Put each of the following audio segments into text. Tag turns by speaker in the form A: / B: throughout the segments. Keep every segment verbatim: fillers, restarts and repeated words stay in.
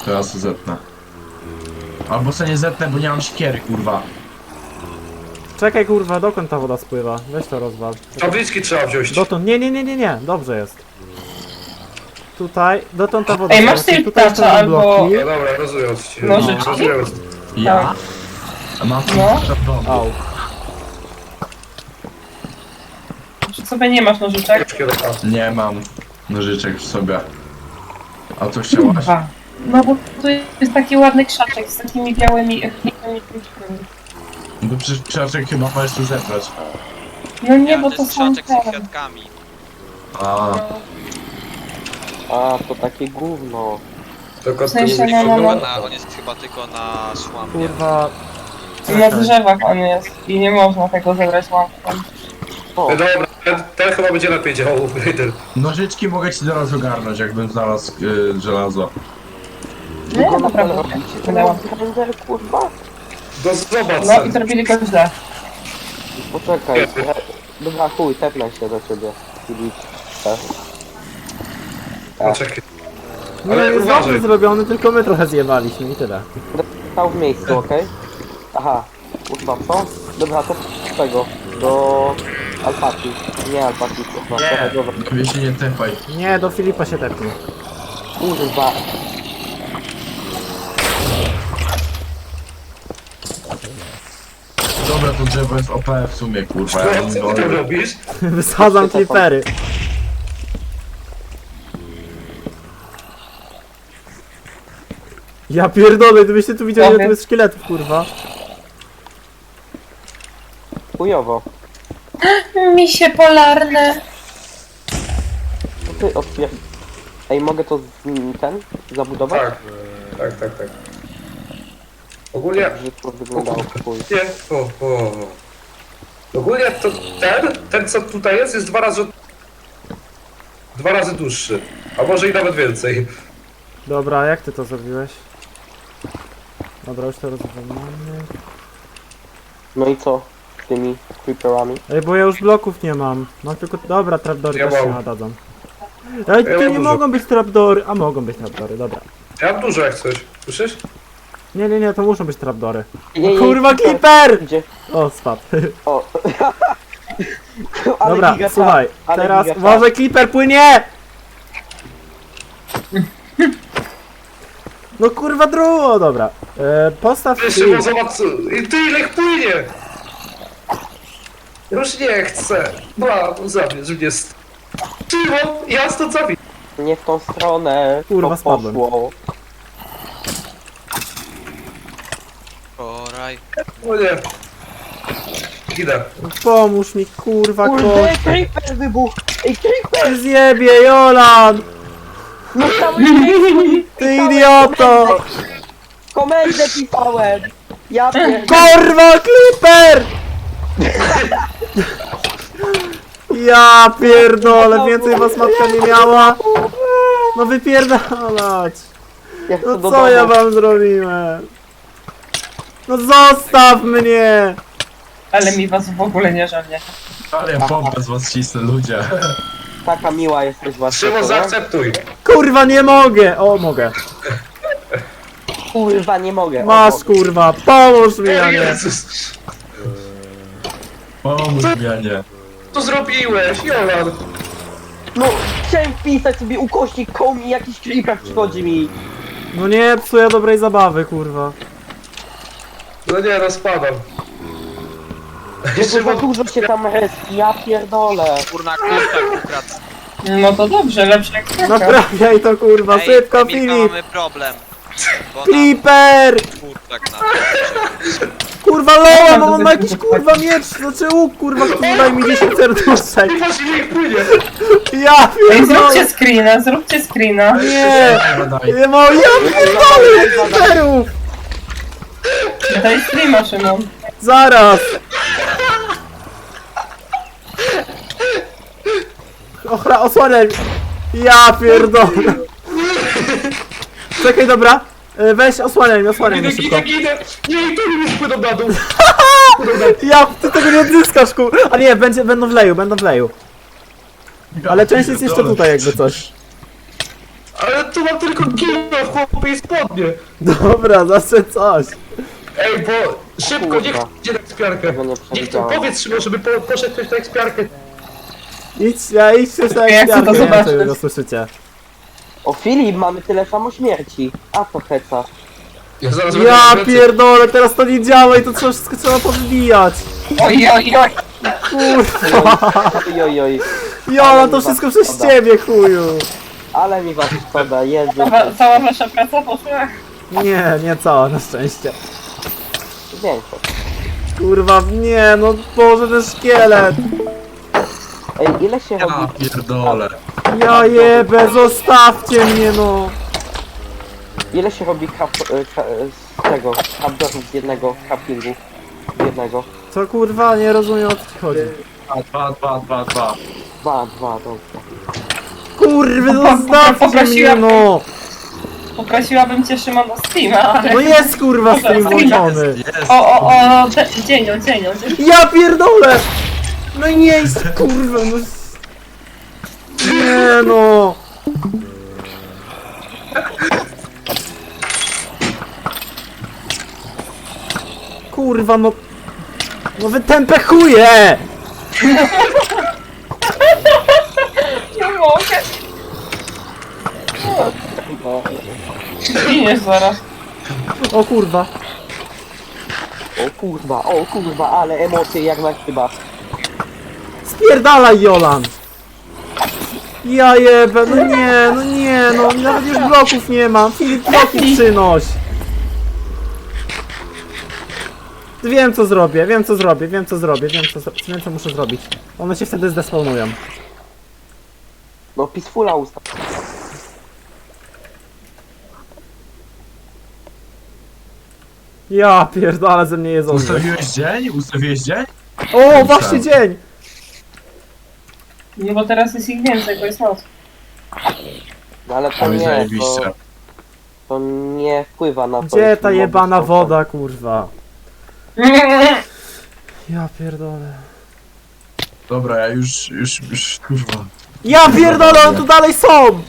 A: To ja sobie zetnę. Albo sobie nie zetnę, bo nie mam siekiery, kurwa.
B: Czekaj kurwa, dokąd ta woda spływa? Weź to rozwal.
C: Tabliczki trzeba wziąć.
B: Dotąd, nie, nie, nie, nie, nie, dobrze jest. Tutaj, dotąd ta woda
D: Ej, masz
B: spływa.
D: tej
B: Tutaj jeszcze
D: ptacza
B: są
D: albo-
B: bloki.
C: No dobra, rozumiem ci.
D: Nożyczki?
C: Rozumiem.
A: Ja? A mam
D: No.
A: no.
B: Au.
D: Przy sobie nie masz nożyczek?
A: Nie mam nożyczek w sobie. A to chciałaś?
D: Dwa. No bo tu jest taki ładny krzaczek z takimi białymi białymi kwiatkami.
A: No przecież krzaczek chyba możesz tu zebrać.
D: No nie, bo
E: to
D: to
E: jest
D: są
E: krzaczek z
D: te.
E: kwiatkami.
A: A,
F: A, to takie gówno.
C: Tylko
D: W sensie
C: tu
D: no, no,
E: Chyba
D: no.
E: na, on jest chyba tylko na szłamie.
B: Kurwa.
D: Na drzewach on jest i nie można tego zebrać łapką.
F: O,
C: No dobra, ten, ten chyba będzie lepiej działał.
A: nożyczki mogę ci zaraz ogarnąć, jakbym znalazł y, żelazo.
D: Nie, no naprawdę. Wydałam.
F: Render, kurwa?
C: No zobacz.
D: No i zrobili go źle.
F: Poczekaj. e, Dobra, chuj, tepnę się do ciebie. Filip. Tak.
C: No czekaj.
B: No
C: Ale
B: jest
C: uważaj.
B: dobrze zrobiony, tylko my trochę zjebaliśmy i tyle.
F: Stał w miejscu, okej? Aha, kurwa, co? Dobra, to z tego. Do... Alpaki. Nie alpaki, kurwa. Trochę, dobra.
A: Tobie się nie tepaj.
B: Nie, do Filipa się tepnie.
F: Kurwa.
A: Dobra, to drzewo jest O P w sumie, kurwa. Ja
C: Co
A: mam
C: ty tam
A: go...
C: robisz?
B: Wysadzam klipery. Ja pierdolę, gdybyście tu widzieli, ile tu jest szkieletów, kurwa.
F: Chujowo.
D: Misie polarne.
F: Co ty otwier... Ej, mogę to z... m, ten? Zabudować?
C: Tak. Tak, tak, tak. Ogólnie...
F: Że to wyglądało chuj.
C: Nie, o, o. Ogólnie to ten, ten co tutaj jest, jest dwa razy... Dwa razy dłuższy. A może i nawet więcej.
B: Dobra, jak ty to zrobiłeś? Dobra, już to rozwiązamy.
F: No i co? Z tymi creeperami?
B: Ej, bo ja już bloków nie mam. Mam tylko... Dobra, trapdory
C: Ja
B: też się
C: mam.
B: nadadzą. Ej,
C: Ja
B: tu
C: mam
B: nie
C: dużo.
B: mogą być trapdory. A mogą być trapdory, dobra.
C: Ja mam dużo jak coś. Słyszysz?
B: Nie, nie, nie, to muszą być trapdory.
F: Nie, nie,
B: Kurwa,
F: nie,
B: Clipper!
F: Gdzie?
B: O, spadł.
F: O. Ale
B: Dobra,
F: giga
B: słuchaj,
F: tak, ale
B: teraz
F: giga tak.
B: uważaj, Clipper płynie! No kurwa drugo, dobra. E, postaw
C: Jeszcze,
B: film.
C: bo zobacz, i ty ile ich płynie! Już nie chcę. Bla, zabierz mnie z... Szymon, ja stąd zabij.
F: Nie w tą stronę.
B: Kurwa,
F: to
B: spadłem.
F: poszło.
E: Oraj.
C: O nie. Idę.
B: Pomóż mi, kurwa,
F: Kurde,
B: kość.
F: creeper wybuchł! Ej, creeper!
B: Ty zjebie, Jolan!
F: No cały miejscu!
B: Ty idioto!
F: Komendę pisałem! Ja pierdolę!
B: Kurwa, Clipper! Ja pierdolę, więcej was matka nie miała. No wypierdalać.
F: Ja chcę
B: No
F: do
B: co ja
F: domu.
B: wam zrobiłem? No zostaw mnie!
D: Ale mi was w ogóle nie żalnie.
A: Ale ja pompę z was cisnę, ludzie.
F: Taka miła jesteś właśnie.
C: Szymon,
F: co nie?
C: zaakceptuj.
B: Kurwa, nie mogę! O, mogę.
F: Kurwa, nie mogę. o,
B: Masz,
F: mogę.
B: kurwa, pomóż mi, a nie.
C: Jezus.
A: Pomóż mi, a nie.
C: Co zrobiłeś, Jolan?
F: No, chciałem wpisać sobie ukośnik koł i jakiś creeper przychodzi mi.
B: No nie psuję dobrej zabawy, kurwa.
C: No nie, rozpadam.
F: Bo za
C: Szymon,
F: dużo się tam reski, ja pierdolę.
E: Kurna kurczak ukradł.
D: No to dobrze, lepsze jak taka.
B: Naprawiaj to, kurwa,
E: Ej,
B: szybko,
E: Emilka,
B: Filip!
E: mamy problem. Bo nam
B: Clipper!
E: kurczak na
B: Kurwa, Lola, no on ma jakiś, kurwa, miecz, znaczy łuk, kurwa, który daj mi dziesięć serduszek.
C: patrz ile ich płynie.
B: Ja
D: Ej,
B: pierdolę!
D: zróbcie screena, zróbcie screena.
B: Nie!
A: Daj.
B: Nie ma, ja pierdolę, Clipperów!
D: Daj streama, Szymon.
B: Zaraz! Ochra, osłaniaj mnie. Ja pierdolę! Czekaj, dobra. E, Weź, osłaniaj mnie, osłaniaj
C: Idę,
B: mnie szybko.
C: idę, idę. Nie, tu już płyną na dół.
B: Ja, ty tego nie odzyskasz, kur... A nie, będzie, będą w leju, będą w leju. Ale część jest jeszcze tutaj, jakby coś.
C: Ale tu mam tylko kilo, chłopie, i spodnie.
B: Dobra, zawsze coś.
C: Ej, bo szybko, niech
F: Kurwa.
C: idzie na ekspiarkę.
F: Tego nie
C: Niech to
F: przewidziałem.
C: powiedz Szymon, żeby po, poszedł ktoś na ekspiarkę.
B: Idź, ja idź się na
D: Ja chcę to
B: ekspiarkę, nie wiem,
D: zobaczyć.
B: czy wy go słyszycie.
F: O Filip, mamy tyle samo śmierci. A to heca.
C: Ja zaraz
B: Ja
C: będę
B: pierdolę, teraz to nie działa i to trzeba, wszystko trzeba powybijać.
D: Oj, oj, oj.
B: Kurwa.
F: Oj, oj, oj.
B: Jola, to wszystko przez ciebie, chuju.
F: Ale mi was szkoda, Jezu.
D: Cała, cała wasza praca poszła.
B: Nie, nie cała, na szczęście.
F: Większość.
B: Kurwa, nie, no Boże, ten szkielet.
F: Ej, ile się robi...
A: Ja pierdolę.
B: Ja jebę, zostawcie mnie, no.
F: Ile się robi kap... e, ka- e, z tego... Kapdorów z jednego craftingu? Z jednego.
B: Co kurwa, nie rozumiem, o co ci chodzi.
A: Dwa, dwa, dwa, dwa.
F: Dwa, dwa, dobrze.
B: Kurwy, zostawcie mnie,
D: Poprosiłam-
B: no.
D: Poprosiłabym cię, Szymon, o Steama, ale...
B: No jest kurwa stream włączony.
A: Jest.
D: O, o, o, de- dzień, o, dzień, o, dzień.
B: Ja pierdolę! No nie jest, kurwa, no... Nie no! Kurwa, no... No wy tępe chuje!
D: Nie mogę.
F: No.
D: Zginiesz zaraz.
B: O kurwa.
F: O kurwa, o kurwa, ale emocje jak na chyba.
B: Spierdalaj, Jolan! Ja jebę, no nie, no nie, no nawet już bloków nie mam. Filip, bloki przynoś! Wiem co zrobię, wiem co zrobię, wiem co zrobię, wiem co, zro- wiem co muszę zrobić. One się wtedy zdespawnują.
F: No peacefula ustaw.
B: Ja pierdolę, ze mnie jedzą.
A: Ustawiłeś dzień? Ustawiłeś dzień?
B: O, właśnie dzień!
D: Nie, bo teraz jest ich więcej, bo jest noc.
F: No ale to
A: Oj,
F: nie, to,
A: zajebiście.
F: to nie wpływa na to.
B: Gdzie
F: jeśli
B: ta
F: moby
B: jebana
F: są tam.
B: woda, kurwa? Ja pierdolę.
A: Dobra, ja już, już, już, kurwa.
B: Ja pierdolę, one tu dalej są!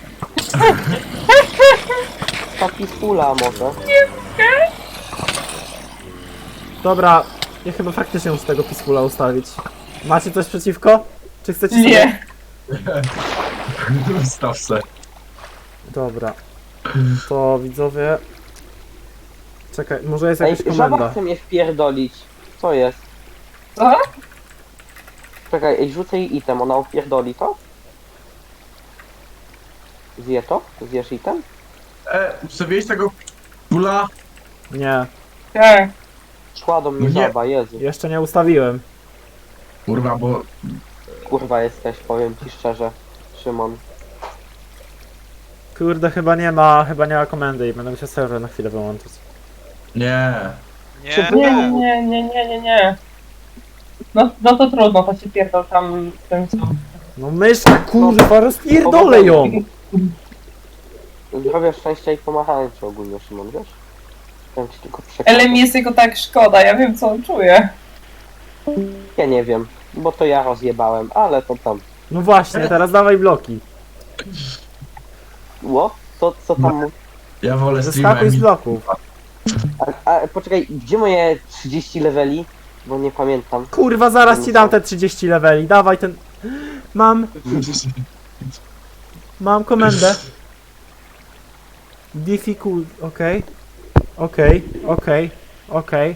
F: Ta peacefula może.
B: Dobra, ja chyba faktycznie muszę tego Peacefula ustawić. Macie coś przeciwko? Czy chcecie sobie...
D: Nie.
A: Ustaw se.
B: Dobra. To widzowie... Czekaj, może jest
F: Ej,
B: jakaś
F: żaba
B: komenda.
F: chce mnie wpierdolić. Co jest?
D: Co?
F: Czekaj, ej, rzucę jej item, ona opierdoli to? Zje to? Zjesz item?
A: E, ustawiłeś tego pula?
B: Nie,
D: Tak.
F: Szła do mnie
A: Nie.
F: żaba, Jezu.
B: jeszcze nie ustawiłem.
A: Kurwa, bo...
F: Kurwa jesteś, powiem ci szczerze. Szymon.
B: Kurde, chyba nie ma, chyba nie ma komendy i będę musiał serwer na chwilę wyłączyć.
A: Nie.
E: Nie,
D: Nie, nie, nie, nie, nie, nie. No, no to trudno, to się pierdol tam w tym co.
B: No myszka, kurwa, rozpierdolę ją!
F: Zdrowia, szczęścia i pomachałem ci ogólnie, Szymon, wiesz? Chciałem ci tylko przekazać.
D: Ale mi jest jego tak szkoda, ja wiem co on czuje.
F: Ja nie wiem, bo to ja rozjebałem, ale to tam.
B: No właśnie, teraz dawaj bloki.
F: Ło? To co tam mu...
A: Ja wolę
B: Zeskakuj z
A: streamem.
B: bloków.
F: A, a poczekaj, gdzie moje trzydzieści leveli? Bo nie pamiętam.
B: Kurwa, zaraz ci dam te trzydzieści leveli, dawaj ten... Mam, mam komendę. Difficult, okej. Okej, okej, okej.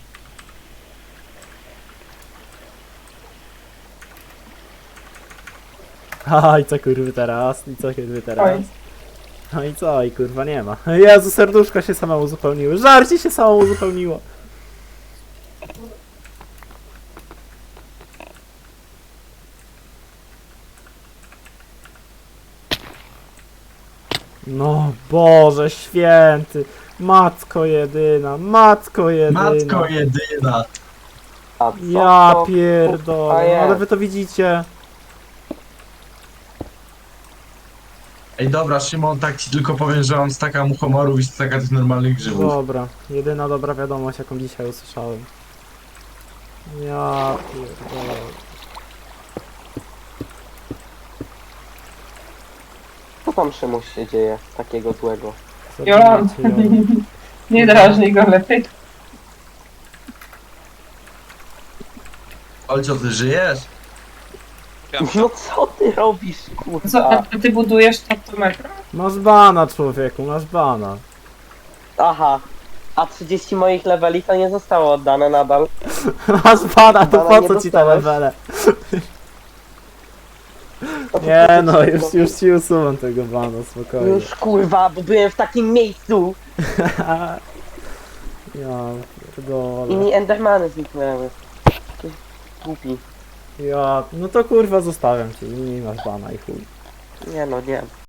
B: Haha, i co kurwy teraz? I co kurwy teraz?
D: Oj.
B: No i co? I kurwa nie ma. Jezu, serduszko się samo uzupełniły. Żarcie się samo uzupełniło. No Boże święty. Matko jedyna, matko jedyna.
A: Matko jedyna.
F: A co
B: Ja
F: to, kurwa,
B: pierdolę,
F: jest?
B: ale wy to widzicie.
A: Ej, dobra, Szymon, tak ci tylko powiem, że mam staka mu humorów i staka tych normalnych grzybów.
B: Dobra, jedyna dobra wiadomość jaką dzisiaj usłyszałem. Ja pierdolę.
F: tam Szymuś się dzieje takiego złego?
D: Jolan. Nie drażnij go lepiej.
A: Olcio, ty żyjesz?
F: No co ty robisz,
D: Co,
F: kurwa?
D: a ty budujesz taktometr?
B: Masz bana, człowieku, masz bana.
F: Aha. A trzydzieści moich leveli to nie zostało oddane nadal.
B: Masz bana, to
F: Bana
B: po
F: nie
B: co ci te
F: dostałeś.
B: levele?
F: To po
B: Nie
F: co
B: no,
F: ci
B: już,
F: to?
B: już ci usuwam tego bana, spokojnie.
F: Już kurwa, bo byłem w takim miejscu
B: Ja
F: i
B: pierdolę.
F: mi endermany zniknęły. Ty Głupi.
B: Ja, no to kurwa zostawiam cię i nie masz bana i chuj.
F: Nie no, nie.